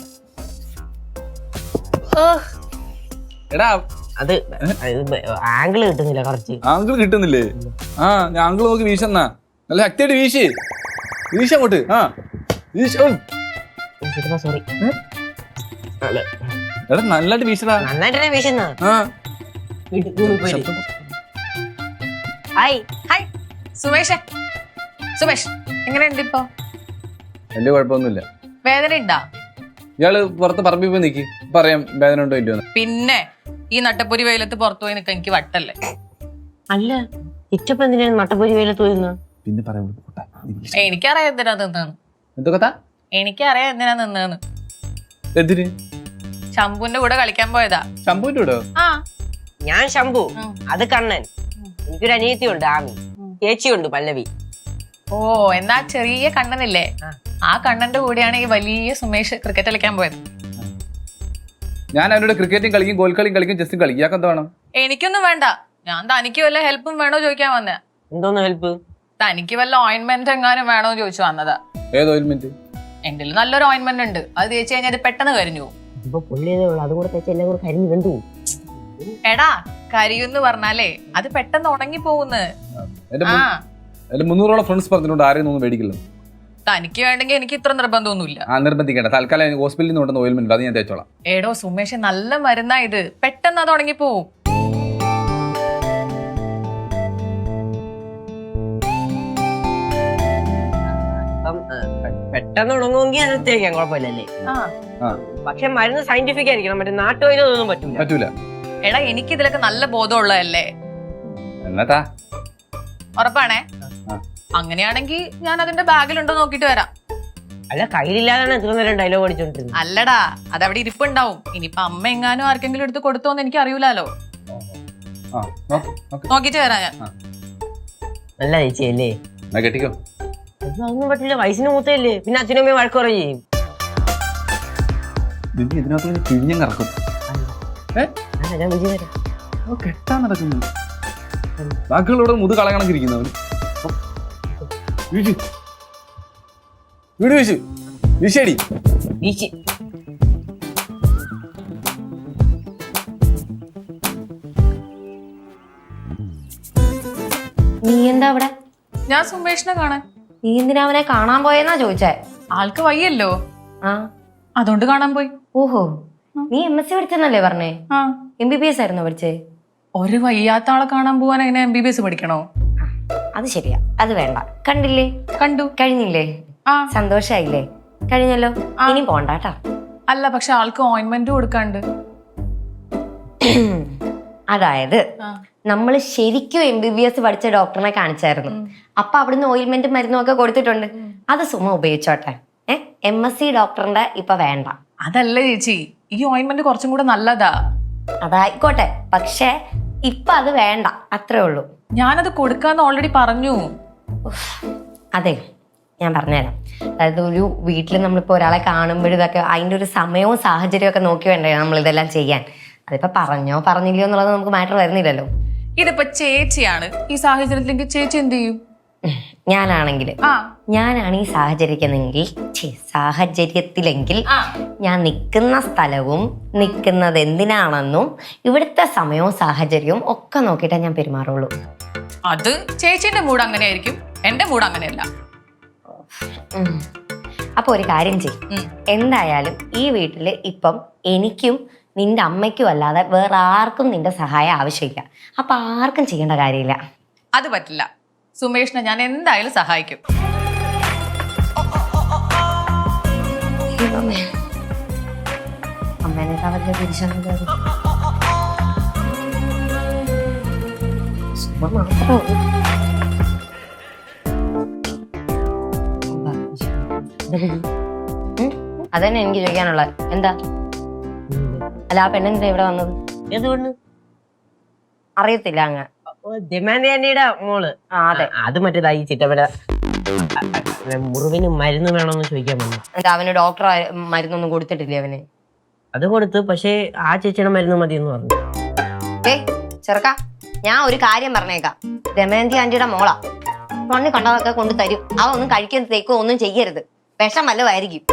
[SPEAKER 8] എടാ
[SPEAKER 3] അത് ആംഗിള് കിട്ടുന്നില്ല കുറച്ച്.
[SPEAKER 8] ആങ്കിൾ കിട്ടുന്നില്ലേ? ആ ഞാൻ ആങ്കിൾ നോക്കി വീശന്നാ. നല്ല ശക്തിയായിട്ട് വീശി അങ്ങോട്ട്. ആ വീശ.
[SPEAKER 3] സോറി.
[SPEAKER 8] എടാ നല്ലതായിട്ട് വീശടാ.
[SPEAKER 3] നന്നായിട്ട് വീശുന്ന.
[SPEAKER 8] ആ
[SPEAKER 3] ഹായ്.
[SPEAKER 2] ഹായ് സുമേഷ്. സുമേഷ് എങ്ങനെയുണ്ട് ഇപ്പൊ?
[SPEAKER 8] വലിയ കുഴപ്പമൊന്നുമില്ല.
[SPEAKER 2] വേദന ഉണ്ടാ?
[SPEAKER 8] ഇയാള് പുറത്ത് പറമ്പിൽ പോയി നിക്ക്, പറയാം വേദന ഉണ്ടോ ഇല്ലയോ.
[SPEAKER 2] പിന്നെ ഈ നട്ടപ്പൊരി വെയിലത്ത് പുറത്തു പോയി നിൽക്കാൻ എനിക്ക് വട്ടല്ലേ.
[SPEAKER 3] അല്ല ഇച്ചപ്പ എന്തിനാണ് നട്ടപ്പൊരി വെയിലത്ത് പോയിരുന്നത്?
[SPEAKER 8] പിന്നെ പറയാം.
[SPEAKER 2] എനിക്കറിയാം എന്തിനാ നിന്നേന്ന്.
[SPEAKER 8] എന്തൊക്കെ
[SPEAKER 2] എനിക്കറിയാം എന്തിനാ നിന്നേന്ന്.
[SPEAKER 8] എന്തിന്?
[SPEAKER 2] ശംഭുവിന്റെ കൂടെ കളിക്കാൻ പോയതാ.
[SPEAKER 8] ശമ്പൂന്റെ കൂടെ?
[SPEAKER 2] ആ
[SPEAKER 3] ഞാൻ ശംഭു, അത് കണ്ണൻ. എനിക്കൊരു അനിയത്തിയുണ്ട് ആമി, ചേച്ചിയുണ്ട് പല്ലവി.
[SPEAKER 2] ഓ എന്നാ ചെറിയ കണ്ണനില്ലേ, ആ കണ്ണന്റെ കൂടെയാണ് ഈ വലിയ സുമേഷ് ക്രിക്കറ്റ് കളിക്കാൻ പോയത്.
[SPEAKER 8] ഞാൻ അവനോട് ക്രിക്കറ്റും കളിക്കും, ഗോൾ കളിയും കളിക്കും, ചെസ്സും കളിക്കും. ഇയാൾക്ക് എന്താ വേണം?
[SPEAKER 2] എനിക്കൊന്നും വേണ്ട, ഞാൻ തനിക്ക് വല്ല ഹെൽപ്പും വേണോ ചോദിക്കാൻ വന്നേ.
[SPEAKER 3] എന്തോന്ന് ഹെൽപ്പ്?
[SPEAKER 2] തനിക്ക് വല്ല ഓയിൻമെന്റ് എങ്ങാനും വേണോ ചോദിച്ചു വന്നതാ.
[SPEAKER 8] ഏത് ഓയിൽമെന്റ്?
[SPEAKER 2] എന്റെ നല്ലൊരു ഓയിൻമെന്റ് ഉണ്ട്, അത് തേച്ച് കഴിഞ്ഞാൽ അത് പെട്ടെന്ന് കരിഞ്ഞു പോകും.
[SPEAKER 3] ഇപ്പൊ പൊള്ളിയതേ ഉള്ളു, അതുകൂടെ തെച്ച് എല്ലാം കൂടെ കരിഞ്ഞു വെന്തു.
[SPEAKER 2] എടാ കരിയുന്ന് പറഞ്ഞാലേ അത് പെട്ടെന്ന് ഉണങ്ങി പോകുന്നു. ആ
[SPEAKER 8] എന്റെ 300ഓളം ഫ്രണ്ട്സ് പറഞ്ഞിട്ടുണ്ട് ആരെയും ഒന്നും മേടിക്കില്ല.
[SPEAKER 2] തനിക്ക് വേണ്ടെങ്കിൽ എനിക്ക് ഇത്ര നിർബന്ധമൊന്നുമില്ല.
[SPEAKER 8] ആ നിർബന്ധിക്കേണ്ട, തൽക്കാലം ഹോസ്പിറ്റലിൽ നിന്ന് കൊണ്ടുവന്ന ഓയിൽമെന്റ് അത് ഞാൻ തേച്ചോളാം.
[SPEAKER 2] ഏടോ സുമേഷ് നല്ല മരുന്നാ ഇത്, പെട്ടെന്ന് അത് ഉണങ്ങി പോവും.
[SPEAKER 3] പെട്ടെന്ന് ഉണങ്ങുമെങ്കിൽ അത് തേക്കാൻ കുഴപ്പമില്ലല്ലേ.
[SPEAKER 2] ആ
[SPEAKER 3] പക്ഷെ മരുന്ന് സയന്റിഫിക് ആയിരിക്കണം, മറ്റേ നാട്ടുവൈദ്യൊന്നും
[SPEAKER 8] പറ്റൂല.
[SPEAKER 2] എടാ എനിക്ക് ഇതിലൊക്കെ നല്ല ബോധമുള്ളതല്ലേ.
[SPEAKER 8] എന്നാ
[SPEAKER 2] ഉറപ്പാണേ? അങ്ങനെയാണെങ്കിൽ ഞാൻ അതിന്റെ ബാഗിലുണ്ടോ നോക്കിട്ട് വരാം.
[SPEAKER 3] അല്ല കയ്യിലില്ലാതാണ് ഇത്ര നേരം ഡയലോഗ് അടിച്ചോണ്ടിരുന്നത്.
[SPEAKER 2] അല്ലടാ അതവിടെ ഇരിപ്പുണ്ടാവും. ഇനിയിപ്പൊ അമ്മ എങ്ങാനും ആർക്കെങ്കിലും എടുത്ത് കൊടുത്തോന്ന് എനിക്ക് അറിയൂലോ. നോക്കിട്ട് വരാം ഞാൻ.
[SPEAKER 3] നല്ല ചേച്ചിയല്ലേ?
[SPEAKER 8] കെട്ടിക്കോ.
[SPEAKER 3] അതൊന്നും പറ്റില്ല, വയസ്സിന് മൂത്തല്ലേ, പിന്നെ അച്ഛനും അമ്മയും വഴക്ക് പറയും.
[SPEAKER 8] ഇതിനകത്ത് പിഴിഞ്ഞിറക്കും.
[SPEAKER 3] ഞാൻ വിജയം
[SPEAKER 8] കെട്ടാൻ നടക്കുന്നു. ബാക്കിയുള്ളവിടെ മുത് കളകണക്കിരിക്കുന്നവന് വീട് വീശു വീശടി
[SPEAKER 3] വീശി.
[SPEAKER 4] നീ എന്താ അവിടെ?
[SPEAKER 2] ഞാൻ സുമേഷിനെ കാണാൻ.
[SPEAKER 4] നീ എന്തിനാ അവനെ കാണാൻ പോയെന്നാ ചോദിച്ചേ?
[SPEAKER 2] ആൾക്ക് വയ്യല്ലോ,
[SPEAKER 4] ആ
[SPEAKER 2] അതുകൊണ്ട് കാണാൻ പോയി.
[SPEAKER 4] ഓഹോ, നീ MSc പഠിച്ചെന്നല്ലേ പറഞ്ഞേ?
[SPEAKER 2] ആ
[SPEAKER 4] MBBS ആയിരുന്നോ പഠിച്ചേ?
[SPEAKER 2] ഒരു വയ്യാത്ത ആളെ കാണാൻ പോവാൻ എങ്ങനെ MBBS പഠിക്കണോ?
[SPEAKER 4] അത് ശരിയാ, അത് വേണ്ട. കണ്ടില്ലേ?
[SPEAKER 2] കണ്ടു.
[SPEAKER 4] കഴിഞ്ഞില്ലേ?
[SPEAKER 2] ആ
[SPEAKER 4] സന്തോഷായില്ലേ? കഴിഞ്ഞല്ലോ, ഇനി പോണ്ടാട്ടാ.
[SPEAKER 2] അല്ല പക്ഷെ ആൾക്ക് ഓയിൻമെന്റ് കൊടുക്കാണ്ട്.
[SPEAKER 4] അതായത് നമ്മൾ ശരിക്കും MBBS പഠിച്ച ഡോക്ടറിനെ കാണിച്ചായിരുന്നു. അപ്പൊ അവിടുന്ന് ഓയിൽമെന്റ് മരുന്നും ഒക്കെ കൊടുത്തിട്ടുണ്ട്. അത് സുമ ഉപയോഗിച്ചോട്ടെ. MSc ഡോക്ടറിന്റെ ഇപ്പൊ വേണ്ട.
[SPEAKER 2] അതല്ല ചേച്ചി, ഈ ഓയിൻമെന്റ് കുറച്ചും കൂടെ നല്ലതാ.
[SPEAKER 4] അതായിക്കോട്ടെ, പക്ഷെ ഇപ്പൊ അത് വേണ്ട, അത്രേ ഉള്ളൂ.
[SPEAKER 2] ഞാനത് കൊടുക്കാന്ന് ഓൾറെഡി പറഞ്ഞു.
[SPEAKER 4] അതെ, ഞാൻ പറഞ്ഞുതരാം. അതായത് ഒരു വീട്ടിൽ നമ്മളിപ്പോൾ ഒരാളെ കാണുമ്പോഴും ഇതൊക്കെ അതിൻ്റെ ഒരു സമയവും സാഹചര്യവും ഒക്കെ നോക്കി വേണ്ടേ നമ്മളിതെല്ലാം ചെയ്യാൻ. അതിപ്പോ പറഞ്ഞോ പറഞ്ഞില്ലയോ എന്നുള്ളത് നമുക്ക് മാറ്റർ വരുന്നില്ലല്ലോ.
[SPEAKER 2] ഇതിപ്പോ ചേച്ചിയാണ് ഈ സാഹചര്യത്തിലെങ്കിൽ ചേച്ചി എന്ത് ചെയ്യും?
[SPEAKER 4] ഞാനാണ് ഈ സാഹചര്യത്തിലെങ്കിൽ ഞാൻ നിൽക്കുന്ന സ്ഥലവും നിൽക്കുന്നത് എന്തിനാണെന്നും ഇവിടുത്തെ സമയവും സാഹചര്യവും ഒക്കെ നോക്കിയിട്ടേ ഞാൻ പെരുമാറുള്ളൂ.
[SPEAKER 2] അത് ചേച്ചിന്റെ മൂഡ് അങ്ങനെയായിരിക്കും, എന്റെ മൂഡ് അങ്ങനെയല്ല.
[SPEAKER 4] അപ്പൊ ഒരു കാര്യം ചെയ്യും, എന്തായാലും ഈ വീട്ടില് ഇപ്പം എനിക്കും നിന്റെ അമ്മയ്ക്കും അല്ലാതെ വേറെ ആർക്കും നിന്റെ സഹായം ആവശ്യമില്ല. അപ്പൊ ആർക്കും ചെയ്യേണ്ട കാര്യമില്ല.
[SPEAKER 2] അത് പറ്റില്ല, സുമേഷിനെ ഞാൻ എന്തായാലും സഹായിക്കും.
[SPEAKER 4] അമ്മേനെ തിരിച്ചു അതന്നെ എനിക്ക് ചോദിക്കാനുള്ളത്. എന്താ അല്ല ആ പെണ്ണെന്താ ഇവിടെ വന്നത്?
[SPEAKER 3] എന്തുകൊണ്ട്?
[SPEAKER 4] അറിയത്തില്ല അങ്ങ്.
[SPEAKER 3] ദമയന്തിയുടെ മോള്.
[SPEAKER 4] അതെ.
[SPEAKER 3] അത് മറ്റേതായി ചിറ്റപ്പന മുറിവിന് മരുന്ന് വേണമെന്ന് ചോദിക്കാൻ വന്നു.
[SPEAKER 4] എന്താ അവന് ഡോക്ടർ മരുന്നൊന്നും കൊടുത്തിട്ടില്ലേ അവന്?
[SPEAKER 3] അത് കൊടുത്ത്, പക്ഷേ ആ ചേച്ചിയുടെ മരുന്ന് മതി എന്ന് പറഞ്ഞു.
[SPEAKER 4] ചെറുക്ക, ഞാൻ ഒരു കാര്യം പറഞ്ഞേക്കാം. ദമയന്തി ആന്റിയുടെ മോളാ. മണ്ണ് കണ്ടതൊക്കെ കൊണ്ട് തരും. അവ ഒന്നും കഴിക്കുന്നതേക്കോ ഒന്നും ചെയ്യരുത്. വിഷം വല്ലതായിരിക്കും.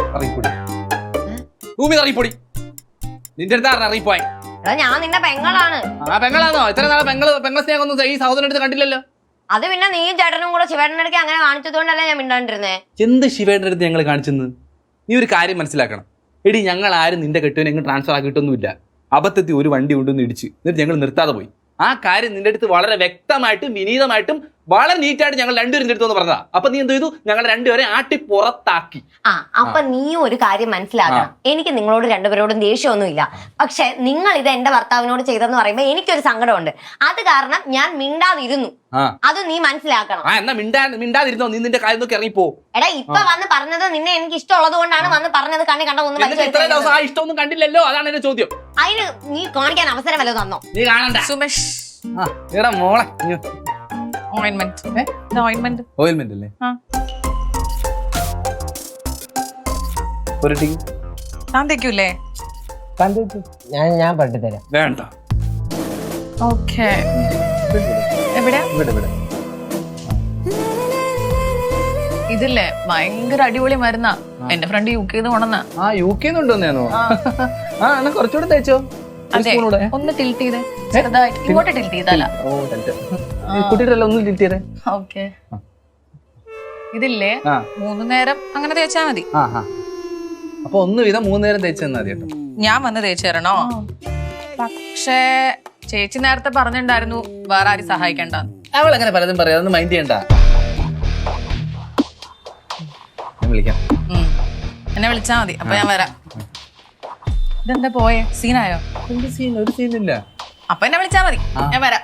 [SPEAKER 8] നിന്റെ അടുത്ത് അറിയിപ്പോയി.
[SPEAKER 4] എടാ ഞാൻ നിന്റെ പെങ്ങളാണ്.
[SPEAKER 8] ആ പെങ്ങളാണോ? ഇത്ര നാളെ പെങ്ങളെ സ്നേഹം ഒന്നും ഈ സഹോദരൻ അടുത്ത് കണ്ടില്ലല്ലോ.
[SPEAKER 4] അത് പിന്നെ നീയും ചേട്ടനും കൂടെ ശിവേട്ടൻ്റെ അടുത്ത് അങ്ങനെ കാണിച്ചതുകൊണ്ടല്ലേ ഞാൻ മിണ്ടാണ്ടിരുന്നേ.
[SPEAKER 8] എന്ത് ശിവേട്ടൻ്റെ അടുത്ത് ഞങ്ങൾ കാണിച്ചെന്ന്? നീ ഒരു കാര്യം മനസ്സിലാക്കണം. എടി, ഞങ്ങൾ ആരും നിന്റെ കെട്ടുവിനെ എങ്ങും ട്രാൻസ്ഫർ ആക്കിയിട്ടൊന്നുമില്ല. അബദ്ധത്തിൽ ഒരു വണ്ടി കൊണ്ടുവന്ന് ഇടിച്ച് എന്നിട്ട് ഞങ്ങൾ നിർത്താതെ പോയി. ആ കാര്യം നിന്റെ അടുത്ത് വളരെ വ്യക്തമായിട്ടും വിനീതമായിട്ടും വളരെ നീറ്റായിട്ട് ഞങ്ങൾ രണ്ടുപേരും അടുത്ത് പറഞ്ഞതാ. അപ്പൊ നീ എന്ത് ചെയ്തു? ഞങ്ങൾ രണ്ടുപേരെ ആട്ടി പുറത്താക്കി.
[SPEAKER 4] അപ്പൊ നീ ഒരു കാര്യം മനസ്സിലാക്കണം. എനിക്ക് നിങ്ങളോട് രണ്ടുപേരോടും ദേഷ്യമൊന്നുമില്ല. പക്ഷെ നിങ്ങൾ ഇത് എന്റെ ഭർത്താവിനോട് ചെയ്തെന്ന് പറയുമ്പോ എനിക്കൊരു സങ്കടമുണ്ട്. അത് കാരണം ഞാൻ മിണ്ടാതിരുന്നു. അത് നീ മനസ്സിലാക്കണം.
[SPEAKER 8] എന്നാ മിണ്ടാതിരുന്നോ? നീ നിന്റെ കാര്യം നോക്കി ഇറങ്ങിപ്പോ.
[SPEAKER 4] എടാ ഇപ്പൊ വന്ന് പറഞ്ഞത് നിന്നെ എനിക്ക് ഇഷ്ടമുള്ളത് കൊണ്ടാണ് വന്ന് പറഞ്ഞത്. കണ്ണി കണ്ട ഒന്നും
[SPEAKER 8] ഇത്രയും ദിവസം ആ ഇഷ്ടമൊന്നും കണ്ടില്ലല്ലോ. അതാണ് എന്റെ ചോദ്യം.
[SPEAKER 4] അതിന് നീ കാണിക്കാൻ അവസരം വല്ലതും തന്നോ?
[SPEAKER 8] നീ കാണണ്ട.
[SPEAKER 2] സുമേഷ്,
[SPEAKER 8] മോളെ
[SPEAKER 2] ഓയിൻമെന്റ്
[SPEAKER 8] അല്ലേ?
[SPEAKER 2] ഞാൻ തേക്കൂലേ?
[SPEAKER 3] ഞാൻ പട്ടി തരാം.
[SPEAKER 8] വേണ്ട.
[SPEAKER 2] ഓക്കെ. എവിടെ? ഇതില്ലേ ഭയങ്കര അടിപൊളി മരുന്നാ. എന്റെ ഫ്രണ്ട് UK കൊണ്ടുവന്ന.
[SPEAKER 8] UK കൊണ്ടുവന്നോ? എന്നാ കുറച്ചുകൂടെ തേച്ചോ.
[SPEAKER 2] അതെ, ഒന്ന് ടിൽറ്റ് ചെയ്തേ ചെറുതായിട്ട്. ഇങ്ങോട്ട് ടിൽറ്റ് ചെയ്താല.
[SPEAKER 8] കുട്ടിയുടെ ഒന്ന് ടിൽറ്റ് ചെയ്തേ.
[SPEAKER 2] ഓക്കെ. ഇതില്ലേ 3 നേരം അങ്ങനെ തേച്ചാ മതി.
[SPEAKER 8] അപ്പൊ ഒന്ന് വീതം 3 നേരം തേച്ച് തന്നാ മതി കേട്ടോ.
[SPEAKER 2] ഞാൻ വന്ന് തേച്ചു തരണോ? പക്ഷേ ചേച്ചി നേരത്തെ പറഞ്ഞിട്ടുണ്ടായിരുന്നു വേറെ ആരും സഹായിക്കണ്ടെന്ന്.
[SPEAKER 8] അവൾ അങ്ങനെ പലതും പറയാം. അതൊന്നും മൈൻഡ് ചെയ്യണ്ട. ഞാൻ വിളിക്കാം.
[SPEAKER 2] എന്നെ വിളിച്ചാ മതി. അപ്പൊ ഞാൻ വരാം. ഇതെന്താ പോയേ? സീനായോ?
[SPEAKER 8] ഒരു സീനില്ല.
[SPEAKER 2] അപ്പൊ എന്നെ വിളിച്ചാ മതി. ഞാൻ വരാം.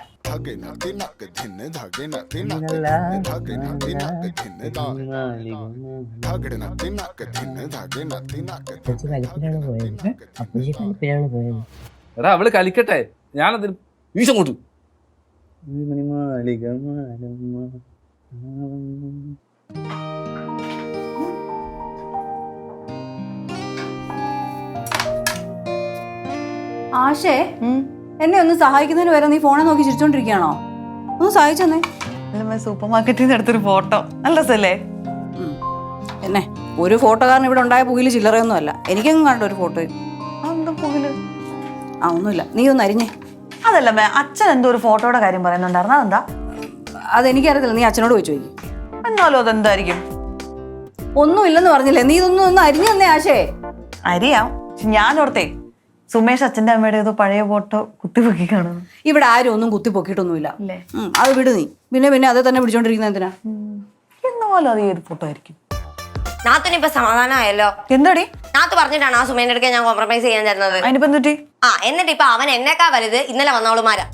[SPEAKER 8] എടാ അവള് കളിക്കട്ടെ. ഞാനതിന് വീശം കൊടുത്തു.
[SPEAKER 5] ആശേ, എന്നെ ഒന്ന് സഹായിക്കുന്നതിന് വരെ നീ ഫോണെ നോക്കി ചിരിച്ചോണ്ടിരിക്കുകയാണോ? ഒന്ന് സഹായിച്ചെന്നേ.
[SPEAKER 2] സൂപ്പർ മാർക്കറ്റിൽ നിന്ന് എടുത്തൊരു ഫോട്ടോ. നല്ല രസല്ലേ?
[SPEAKER 5] എന്നെ ഒരു ഫോട്ടോക്കാരൻ ഇവിടെ ഉണ്ടായ പുകില് ചില്ലറയൊന്നും അല്ല. എനിക്കെങ്ങും കണ്ട ഒരു ഫോട്ടോ. ഒന്നുമില്ല, നീ ഒന്ന് അരിഞ്ഞേ.
[SPEAKER 9] അതല്ല അച്ഛൻ എന്തോ ഒരു ഫോട്ടോയുടെ കാര്യം പറയുന്നുണ്ടായിരുന്നു. അതെന്താ?
[SPEAKER 5] അതെനിക്കറിയത്തില്ല, നീ അച്ഛനോട് പോയി ചോദിക്കും.
[SPEAKER 9] എന്നാലും അതെന്തായിരിക്കും?
[SPEAKER 5] ഒന്നുമില്ലെന്ന് പറഞ്ഞില്ലേ? നീ ഇതൊന്നും ഒന്ന് അരിഞ്ഞു തന്നെ ആശേ.
[SPEAKER 9] അരിയാം. ഞാൻ ഓർത്തേ സുമേഷ് അച്ഛൻ്റെ അമ്മയുടെ ഏതോ പഴയ ഫോട്ടോ കുത്തിപ്പൊക്കി കാണുന്നു.
[SPEAKER 5] ഇവിടെ ആരും ഒന്നും കുത്തിപ്പൊക്കിയിട്ടൊന്നുമില്ല. അത് വിട് നീ. പിന്നെ അതേ തന്നെ പിടിച്ചോണ്ടിരിക്കുന്ന എന്തിനാ?
[SPEAKER 9] എന്നാലും അത് ഏത് ഫോട്ടോ ആയിരിക്കും?
[SPEAKER 4] നാത്തിനിപ്പൊ സമാധാനമായല്ലോ.
[SPEAKER 9] എന്താടി?
[SPEAKER 4] നാത്ത് പറഞ്ഞിട്ടാണ് ആ സുമേന്റെ അടുക്കെ ഞാൻ കോംപ്രമൈസ് ചെയ്യാൻ തരുന്നത്.
[SPEAKER 9] അതിനിപ്പോ എന്തുട്ടി?
[SPEAKER 4] എന്നിട്ട് ഇപ്പൊ അവൻ എന്നെക്കാ വലുത് ഇന്നലെ വന്നവളുമാരാ.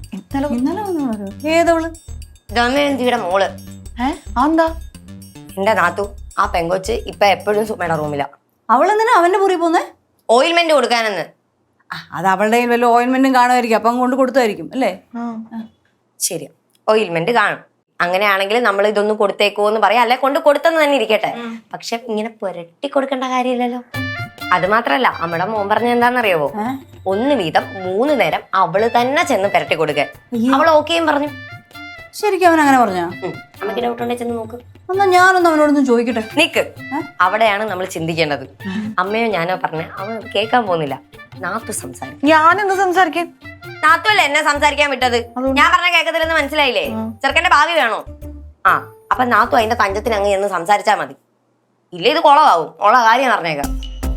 [SPEAKER 5] ഏതവള്?
[SPEAKER 4] ദമയന്തിയുടെ മോള്.
[SPEAKER 9] എന്താ?
[SPEAKER 4] എന്റെ നാത്തു ആ പെങ്കൊച്ച് ഇപ്പൊ എപ്പോഴും സുമയുടെ റൂമിലാ.
[SPEAKER 5] അവളെന്തിനാ അവന്റെ മുറി പോന്നേ?
[SPEAKER 4] ഓയിൽമെന്റ് കൊടുക്കാനെന്ന്.
[SPEAKER 5] അത് അവളുടെ വല്ല ഓയിൽമെന്റും കാണുമായിരിക്കും. അപ്പം കൊണ്ട് കൊടുത്തായിരിക്കും അല്ലേ?
[SPEAKER 4] ശരി, ഓയിൽമെന്റ് കാണും. അങ്ങനെയാണെങ്കിൽ നമ്മൾ ഇതൊന്ന് കൊടുത്തേക്കോന്ന് പറയാം. അല്ലെ കൊണ്ട് കൊടുത്തെന്ന് തന്നെ ഇരിക്കട്ടെ. പക്ഷെ ഇങ്ങനെ പുരട്ടി കൊടുക്കേണ്ട കാര്യമില്ലല്ലോ. അത് മാത്രല്ല നമ്മുടെ മോൻ പറഞ്ഞ എന്താണെന്നറിയാവോ? 1 വീതം 3 നേരം അവള് തന്നെ ചെന്ന് പുരട്ടി കൊടുക്കാൻ. അവൾ ഓക്കെയും പറഞ്ഞു.
[SPEAKER 5] ശരിക്കും അവൻ അങ്ങനെ പറഞ്ഞാ?
[SPEAKER 4] നമുക്ക് ഡൗട്ട് ഉണ്ടെ ചെന്ന് നോക്ക്.
[SPEAKER 5] എന്നാ ഞാനൊന്ന് അവനോടൊന്നും ചോദിക്കട്ടെ.
[SPEAKER 4] നിക്ക്, അവിടെയാണ് നമ്മൾ ചിന്തിക്കേണ്ടത്. അമ്മയോ ഞാനോ പറഞ്ഞ അവൻ കേൾക്കാൻ പോകുന്നില്ല. നാത്തു സംസാരിക്കും.
[SPEAKER 9] ഞാനെന്ത് സംസാരിക്കാൻ?
[SPEAKER 4] നാത്തു അല്ലേ എന്നെ സംസാരിക്കാൻ വിട്ടത്. ഞാൻ പറഞ്ഞ കേൾക്കത്തില്ലെന്ന് മനസ്സിലായില്ലേ? ചെറുക്കന്റെ ഭാവി വേണോ? അപ്പൊ നാത്തു അതിന്റെ തഞ്ചത്തിന് അങ്ങ് എന്ന് സംസാരിച്ചാ മതി. ഇല്ല ഇത് കുളമാവും. ഉള്ള കാര്യം പറഞ്ഞേക്കാം.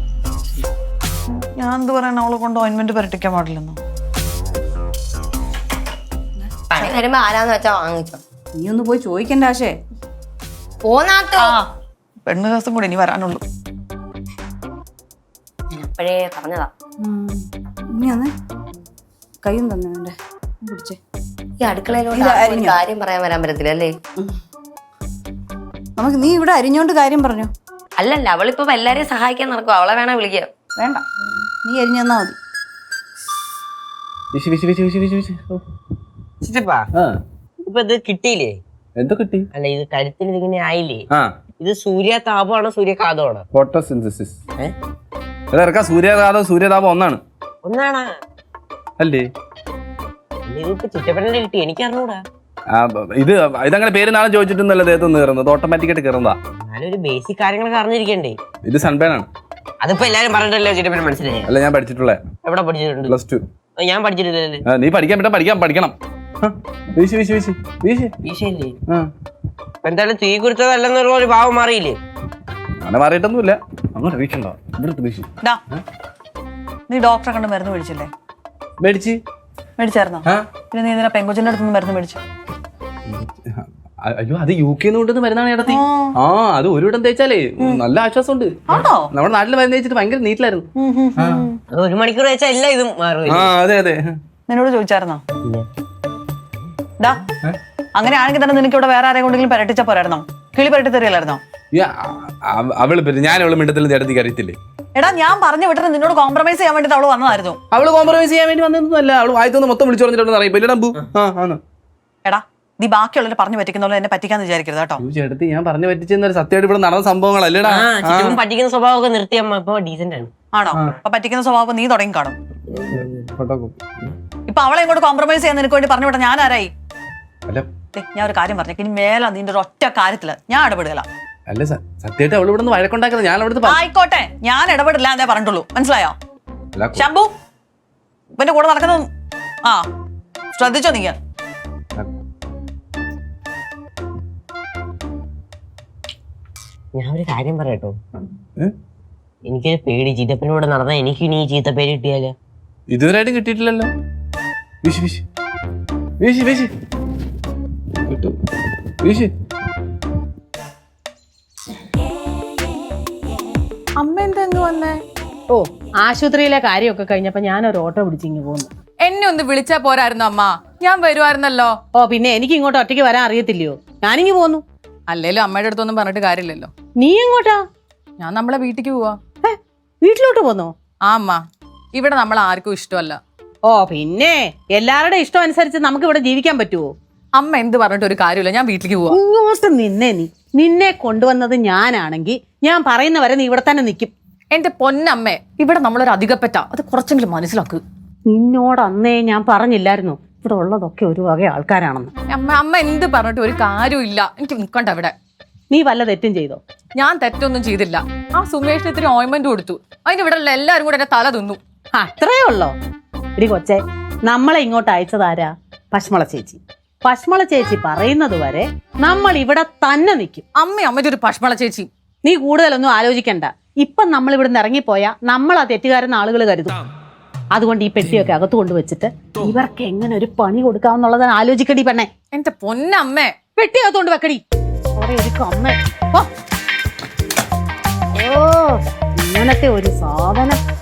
[SPEAKER 9] ഞാൻ എന്ത് പറയണ? അവളെ കൊണ്ട് ഓയിൻമെന്റ് പരട്ടിക്കാൻ പാടില്ലെന്നോ?
[SPEAKER 4] പണി വരുമ്പോ ആരാന്ന് വെച്ചാ വാങ്ങിച്ചോ.
[SPEAKER 5] നീ ഒന്ന് പോയി ചോദിക്കണ്ട ആശേ.
[SPEAKER 4] പോന്നാത്തോ?
[SPEAKER 9] പെണ്ണ് ദിവസം കൂടി ഇനി വരാനുള്ളൂ.
[SPEAKER 4] അപ്പോഴേ പറഞ്ഞതാ.
[SPEAKER 5] നീ അന്ന് കയ്യും തന്നെ വേണ്ടേ പിടിച്ചേ.
[SPEAKER 4] ഈ അടുക്കളയിലോട്ട് കാര്യം പറയാൻ വരാൻ പറ്റത്തില്ല അല്ലേ?
[SPEAKER 5] നീ ഇവിടെ അരിഞ്ഞോണ്ട് കാര്യം പറഞ്ഞു.
[SPEAKER 4] അല്ലല്ല അവളിപ്പോ എല്ലാരെയും സഹായിക്കാൻ നടക്കും. അവളെ വേണേ വിളിക്കുക.
[SPEAKER 5] വേണ്ട, നീ എരിഞ്ഞു തന്നാ മതി.
[SPEAKER 8] വിശി വിശി വിശി വിശി വിശി വിശി. ഓ.
[SPEAKER 3] ചിറ്റപ്പാ
[SPEAKER 8] ആ
[SPEAKER 3] ഇപ്പൊ ഇത് കിട്ടിയില്ലേ?
[SPEAKER 8] എന്തോ കിട്ടി?
[SPEAKER 3] അല്ല ഇത് കരുത്തിന് ഇതിങ്ങനെ ആയില്ലേ?
[SPEAKER 8] ആ
[SPEAKER 3] ഇത് സൂര്യതാപമാണോ സൂര്യഘാതമാണോ?
[SPEAKER 8] ഫോട്ടോസിന്തസിസ്. ഇറക്കാം. സൂര്യതാപം സൂര്യതാപം ഒന്നാണ്.
[SPEAKER 3] ഒന്നാണാ?
[SPEAKER 8] അല്ലേ?
[SPEAKER 3] ഇതിപ്പോ ചിറ്റപ്പനെ കിട്ടി, എനിക്ക് അറിഞ്ഞൂടാ.
[SPEAKER 8] ഇതങ്ങനെ പേര് നാളെ ചോദിച്ചിട്ടൊന്നുമല്ല ദേഹത്തൊന്ന് കയറുന്നത്, ഓട്ടോമാറ്റിക്കായിട്ട് കയറുന്നതാ.
[SPEAKER 3] എന്നാലും ഒരു ബേസിക് കാര്യങ്ങളൊക്കെ അറിഞ്ഞിരിക്കണ്ടേ?
[SPEAKER 8] ഇത് സൺബേൺ ആണ്.
[SPEAKER 3] അതിപ്പോ എല്ലാരും പറഞ്ഞിട്ടല്ലോ ചിറ്റപ്പനെ മനസ്സിലായി.
[SPEAKER 8] അല്ല ഞാൻ പഠിച്ചിട്ടുള്ളേ.
[SPEAKER 3] എവിടെ പഠിച്ചിട്ടുണ്ട്?
[SPEAKER 8] +2.
[SPEAKER 3] ഞാൻ പഠിച്ചിട്ടില്ലല്ലേ.
[SPEAKER 8] നീ പഠിക്കാൻ പറ്റാ പഠിക്കണം. വീശി വീശി വീശി വീശി.
[SPEAKER 3] ഈശല്ലേ? എന്തായാലും തീ കുറിച്ചതല്ലെന്നുള്ള ഒരു ഭാവം മാറിയില്ലേ?
[SPEAKER 8] അങ്ങനെ മാറിയിട്ടൊന്നുമില്ല. അങ്ങോട്ട് വീശണ്ടോ? ഇവിടെ വീശി.
[SPEAKER 9] ഡാ, നീ ഡോക്ടറെ കണ്ട് മരുന്ന് മേടിച്ചില്ലേ?
[SPEAKER 8] മേടിച്ച്
[SPEAKER 9] മേടിച്ചായിരുന്നോ? പിന്നെ നീ ഇതിനെ പെങ്കൊച്ചിന്റെ അടുത്ത് മരുന്ന് മേടിച്ചു?
[SPEAKER 8] അയ്യോ അത് UK കൊണ്ടുവന്ന് മരുന്നാണ് ചേട്ടത്തി. ആ അത് ഒരിടം തേച്ചാലേ നല്ല ആശ്വാസമുണ്ട്. നമ്മുടെ നാട്ടിൽ മരുന്ന് തേച്ചിട്ട് ഭയങ്കര നീറ്റിലായിരുന്നു.
[SPEAKER 3] അത് 1 മണിക്കൂർ വെച്ചാൽ എല്ലാം ഇതും മാറും.
[SPEAKER 8] ആ അതെ അതെ.
[SPEAKER 9] നിന്നോട് ചോദിച്ചായിരുന്നോ? ഡാ, അങ്ങനെ ആണെങ്കിൽ തന്നെ നിനക്ക് ഇവിടെ വേറെ ആരെയും കൊണ്ടെങ്കിലും പരട്ടിച്ചാ പോരായിരുന്നോ? കിളി പരട്ടി തരില്ലായിരുന്നോ?
[SPEAKER 8] അവള് ഞാൻ അവള് മിണ്ടത്തിൽ ചേട്ടത്തിക്ക് അറിയത്തില്ലേ?
[SPEAKER 9] എടാ ഞാൻ പറഞ്ഞു വിട്ടിട്ട് നിന്നോട് കോംപ്രമൈസ് ചെയ്യാൻ വേണ്ടി അവള് വന്നതായിരുന്നു.
[SPEAKER 8] അവള് കോംപ്രമൈസ് ചെയ്യാൻ വേണ്ടി വന്നതൊന്നുമല്ല. അവള് വായത്തൊന്ന് മൊത്തം വിളിച്ചു പറഞ്ഞിട്ടുണ്ടെന്ന് അറിയില്ല. ഇല്ലടമ്പു.
[SPEAKER 9] എടാ നീ ബാക്കിയുള്ളവരെ പറഞ്ഞു പറ്റിക്കുന്ന എന്നെ പറ്റിക്കാന്ന് വിചാരിക്കരുത് കേട്ടോ.
[SPEAKER 8] ചേട്ടത്തി ഞാൻ പറഞ്ഞു പറ്റിച്ചെന്നൊരു സത്യമായിട്ട് ഇവിടെ നടന്ന സംഭവങ്ങളല്ലേടാ.
[SPEAKER 3] പറ്റിക്കുന്ന സ്വഭാവമൊക്കെ നിർത്തിയമ്മ ഇപ്പൊ ഡീസന്റ് ആണ്.
[SPEAKER 9] ആണോ? അപ്പൊ പറ്റിക്കുന്ന സ്വഭാവം നീ തുടങ്ങി കാണും. ഇപ്പൊ അവളെ ഇങ്ങോട്ട് കോംപ്രമൈസ് ചെയ്യാൻ നിനക്ക് വേണ്ടി പറഞ്ഞു വിട്ട ഞാൻ ആരായി? ഞാൻ ഒരു കാര്യം പറഞ്ഞേക്ക്, ഇനി മേല നിന്റെ ഒരു ഒറ്റ കാര്യത്തില് ഞാൻ ഇടപെടുകയില്ല.
[SPEAKER 8] അല്ല സത്യമായിട്ട് അവള് ഇവിടെ നിന്ന് വഴക്കുണ്ടാക്കുന്നത് ഞാൻ അവിടുത്തെ.
[SPEAKER 9] ആയിക്കോട്ടെ, ഞാൻ ഇടപെടില്ല എന്നേ പറഞ്ഞിട്ടുള്ളൂ. മനസ്സിലായോ? ശംഭു ഇവന്റെ കൂടെ നടക്കുന്നത് ശ്രദ്ധിച്ചോ നീ?
[SPEAKER 3] ഞാൻ ഒരു കാര്യം പറയട്ടോ, എനിക്കൊരു പേടി. ചിറ്റപ്പനോട് നടന്ന എനിക്ക് ഇനി ചീത്ത പേര് കിട്ടിയാലോ?
[SPEAKER 8] ഇതുവരെയായിട്ടും കിട്ടിയിട്ടില്ലല്ലോ. വീശി വീശി വീശി വീശി കിട്ടു വീശി.
[SPEAKER 2] അമ്മ എന്താ വന്നേ?
[SPEAKER 10] ഓ ആശുപത്രിയിലെ കാര്യമൊക്കെ കഴിഞ്ഞപ്പോ ഞാനൊരു ഓട്ടോ പിടിച്ചിങ്ങ് പോന്നു.
[SPEAKER 2] എന്നെ ഒന്ന് വിളിച്ചാ പോരായിരുന്നു അമ്മ? ഞാൻ വരുമായിരുന്നല്ലോ.
[SPEAKER 10] ഓ പിന്നെ എനിക്ക് ഇങ്ങോട്ട് ഒറ്റയ്ക്ക് വരാൻ അറിയത്തില്ലയോ? ഞാനിങ്ങ് പോന്നു.
[SPEAKER 2] അല്ലേലും അമ്മയുടെ അടുത്തൊന്നും പറഞ്ഞിട്ട് കാര്യമില്ലല്ലോ.
[SPEAKER 10] നീ എങ്ങോട്ടാ?
[SPEAKER 2] ഞാൻ നമ്മളെ വീട്ടിക്ക് പോവാ.
[SPEAKER 10] വീട്ടിലോട്ട് പോന്നോ?
[SPEAKER 2] ആ അമ്മ, ഇവിടെ നമ്മൾ ആർക്കും ഇഷ്ടമല്ല.
[SPEAKER 10] ഓ പിന്നെ എല്ലാവരുടെ ഇഷ്ടം അനുസരിച്ച് നമുക്ക് ഇവിടെ ജീവിക്കാൻ പറ്റുമോ?
[SPEAKER 2] അമ്മ എന്ത് പറഞ്ഞിട്ട് ഒരു കാര്യമില്ല, ഞാൻ വീട്ടിലേക്ക് പോവാ.
[SPEAKER 10] ഇങ്ങോട്ട് നിന്നെ കൊണ്ടുവന്നത് ഞാനാണെങ്കിൽ ഞാൻ പറയുന്നവരെ നീ ഇവിടെ തന്നെ നിൽക്കും.
[SPEAKER 2] എന്റെ പൊന്നമ്മേ, ഇവിടെ നമ്മളൊരു അധികപ്പറ്റ, അത് കുറച്ചെങ്കിലും മനസ്സിലാക്ക്.
[SPEAKER 10] നിന്നോട് അന്നേ ഞാൻ പറഞ്ഞില്ലായിരുന്നു ഇവിടെ ഉള്ളതൊക്കെ ഒരു വക ആൾക്കാരാണെന്ന്?
[SPEAKER 2] അമ്മ എന്ത് പറഞ്ഞിട്ട് ഒരു കാര്യമില്ല. എനിക്ക് നിൽക്കണ്ട ഇവിടെ.
[SPEAKER 10] നീ വല്ല തെറ്റും ചെയ്തോ?
[SPEAKER 2] ഞാൻ തെറ്റൊന്നും ചെയ്തില്ല. ആ സുമേഷിന് ഇത്തിരി ഓയിൻമെന്റ് കൊടുത്തു, അതിന് ഇവിടെ ഉള്ള എല്ലാരും കൂടെ എന്റെ തല തിന്നു.
[SPEAKER 10] അത്രേ ഉള്ളോ? ഇടി കൊച്ചെ, നമ്മളെ ഇങ്ങോട്ട് അയച്ചതാരാ? പശ്മള ചേച്ചി. പശ്മള ചേച്ചി പറയുന്നത് വരെ നമ്മൾ ഇവിടെ തന്നെ നിൽക്കും.
[SPEAKER 2] അമ്മയുടെ ഒരു പശ്മള ചേച്ചി.
[SPEAKER 10] നീ കൂടുതലൊന്നും ആലോചിക്കണ്ട. ഇപ്പം നമ്മൾ ഇവിടുന്ന് ഇറങ്ങിപ്പോയാ നമ്മൾ ആ തെറ്റുകാരെന്ന് ആളുകൾ കരുതും. അതുകൊണ്ട് ഈ പെട്ടിയൊക്കെ അകത്ത് കൊണ്ടുവച്ചിട്ട് ഇവർക്ക് എങ്ങനെ ഒരു പണി കൊടുക്കാമെന്നുള്ളതാണ് ആലോചിക്കടി പെണ്ണെ.
[SPEAKER 2] എന്റെ പൊന്നമ്മേ,
[SPEAKER 10] പെട്ടി അകത്തോണ്ട് വെക്കടി. ഓ ഇങ്ങനത്തെ ഒരു സാധനം